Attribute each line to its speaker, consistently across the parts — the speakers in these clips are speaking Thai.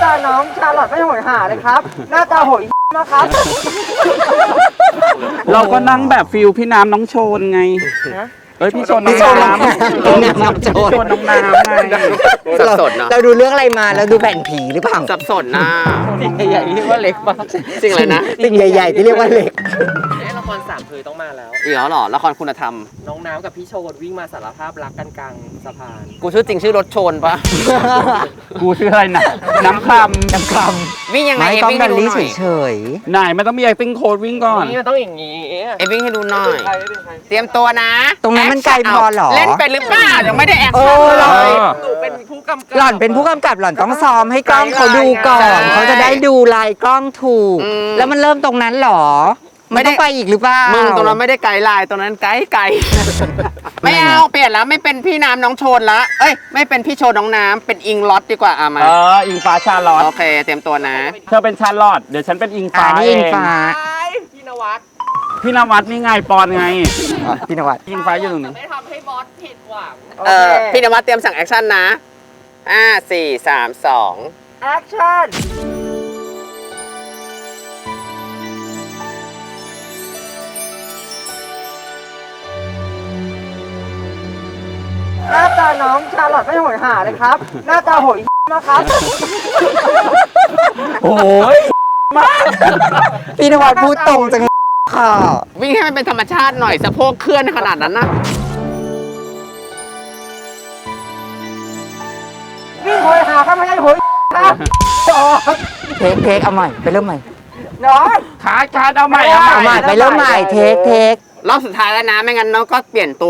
Speaker 1: ตาน้องชาลอตไม่โหยหาเลยครับหน้าตาโหยมากครับ
Speaker 2: เราก็นั่งแบบฟิลพี่น้ำน้องโชนไงเอ้ยพี่โชนน้องน้ำ
Speaker 3: น้ำโจ
Speaker 2: พี่
Speaker 3: ร
Speaker 2: โชนน้องน้ำไง
Speaker 4: สับสนเนาะ
Speaker 3: เราดูเรื่องอะไรมาแล้วดูแผ่นผีหรือเปล่า
Speaker 4: สับสนนะ
Speaker 1: สิ่งใหญ่ๆที่ว่าเล็กมาก
Speaker 4: จริงเลยนะ
Speaker 3: สิ่งใหญ่ๆที่เรียกว่าเหล็ก
Speaker 1: ละครสามเคยต้องมาแล้ว
Speaker 4: อีกแล้วเหรอละครคุณธรรม
Speaker 1: น้องน้ำกับพี่โชนวิ่งมาสารภาพรักกันกลางสะพาน
Speaker 4: กูชื่อจริงชื่อรถชนปะ
Speaker 2: กูชื่ออะไรนะน้ำค
Speaker 3: น้ำค
Speaker 4: วิ่งยัง
Speaker 3: ำ
Speaker 4: ไง
Speaker 3: ไม่
Speaker 4: เอ
Speaker 3: ต้อง
Speaker 4: วิ่ง
Speaker 3: ดั
Speaker 4: ให้
Speaker 3: น
Speaker 4: ดู
Speaker 3: ลี่
Speaker 4: หน่อย
Speaker 3: เฉย
Speaker 2: ำไหนมันต้องมี acting coach วิ่งก่อน
Speaker 1: นี่มันต้องอย่างนี้
Speaker 4: เอวิ่งให้ดูหน่อย
Speaker 1: ใครไม่เป็นใคร
Speaker 4: เตรียมตัวนะ
Speaker 3: ๆตรงนั้นมันไกลพอเหรอ
Speaker 4: เล่นเป็นหรือเปล่ายังไม่ได้แอค
Speaker 3: เอ
Speaker 4: ชั่น
Speaker 3: อ
Speaker 4: เลย
Speaker 1: หนูเป็นผู้กำกับ
Speaker 3: หล่อนเป็นผู้กำกับหล่อนต้องซ้อมให้กล้องเขาดูก่อน เขาจะได้ดูลายกล้องถูก แล้วมันเริ่มตรงนั้นเหรอ ไม่ต้องไปอีกหรือเปล่า
Speaker 4: มึงตรงนั้นไม่ได้ไกลไลน์ตรงนั้นไกลไกลไม่เอาเปลี่ยนแล้วไม่เป็นพี่น้ำน้องโชนละเอ้ยไม่เป็นพี่โชนน้องน้ำเป็นอิงล็อตดีกว่ามา
Speaker 2: อิงฟ้าชาลอต
Speaker 4: โอเคเตรียมตัวนะ
Speaker 2: เธอเป็นชาลอตเดี๋ยวฉันเป็นอิงฟ้า
Speaker 3: นี่
Speaker 2: เอ
Speaker 3: อิง
Speaker 2: ง
Speaker 3: ฟ้า
Speaker 1: พี่นวัด
Speaker 2: พี่นวัดนี่ไงปอนไง
Speaker 3: พี่นวัด
Speaker 2: อิงฟ้าอยู่ตรงนี้
Speaker 1: ไม่ทำให้บอสผิดหวัง
Speaker 4: พี่นวัดเตรียมสั่งแอคชั่นนะ4 3 2
Speaker 1: แอคชั่นหน้าตาน้องชาลอตไม่โหยหาเลยครับ หน้าตาโหยมากครับ
Speaker 2: โอ้ย
Speaker 3: พี่นวัดพูดตรงจังค่ะ
Speaker 4: วิ่งให้มันเป็นธรรมชาติหน่อยสะโพกเคลื่อนขนาดนั้นนะ
Speaker 1: วิ่งโหยหาครับไม่ใช่โหยครับจอด
Speaker 3: เทคเอาใหม่ไปเริ่มใหม่
Speaker 1: น้อง
Speaker 2: ขาดเอาใหม่
Speaker 3: เอาใหม่ไปเริ่มใหม่เทค
Speaker 4: รอบสุดท้ายแล้วนะไม่งั้นน้องก็เปลี่ยนตัว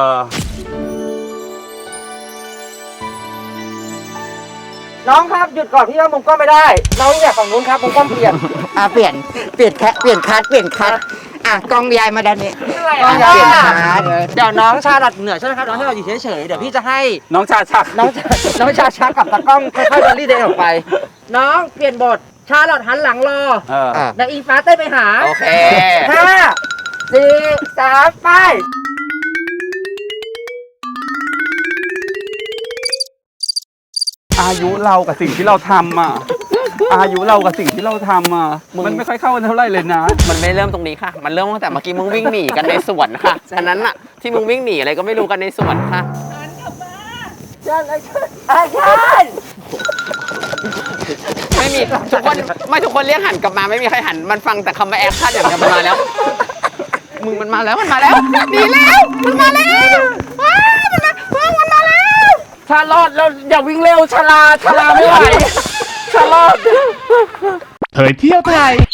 Speaker 1: น้องครับหยุดก่อนพี่ว่ามุมกล้องไม่ได้ น้องอยากฝั่งนู้นครับมุมกล้องเปลี่ยน
Speaker 3: เปลี่ยนคัดอ่ะกล้องยายมาด้านนี้
Speaker 1: น้อง
Speaker 3: เปลี่ยน
Speaker 1: ชา
Speaker 3: คัด
Speaker 1: เดี๋ยวน้องชาลัดเหนือใช่ไหมครับน้องชาลัดอยู่เฉยๆเดี๋ยวพี่จะให้
Speaker 2: น้องชาชัก
Speaker 1: น้องชาชักกับตากล้องค่อยๆเดินรีเดินออกไป น้องเปลี่ยนบทชาลัดหันหลังรอ
Speaker 3: อ่ะ
Speaker 1: แล้วอิงฟ้าเต้นไปหา
Speaker 4: โอเค
Speaker 1: 5 4 3 ไป
Speaker 2: อายุเรากับสิ่งที่เราทำอ่ะ อายุเรากับสิ่งที่เราทำอ่ะ มันไม่ค่อยเข้ากันเท่าไหร่เลยนะ
Speaker 4: มันไม่เริ่มตรงนี้ค่ะ มันเริ่มตั้งแต่เมื่อกี้มึงวิ่งหนีกันในสวนค่ะฉะนั้นอะที่มึงวิ่งหนีอะไรก็ไม่รู้กันในสวนค่ะ
Speaker 1: ชันชัน
Speaker 4: ไม่มีทุกคนไม่ทุกคนเรียกหันกลับมาไม่มีใครหันมันฟังแต่คำว่าแอคชั่นอย่างเดียวมันมาแล้ว มึงมันมาแล้วหนีแล้วมันมาแล้วมันมาแล้ว
Speaker 2: ชาลอดเราอย่าวิ่งเร็วชาลาไม่ไหวชาลอด
Speaker 5: เผยเที่ยวไทย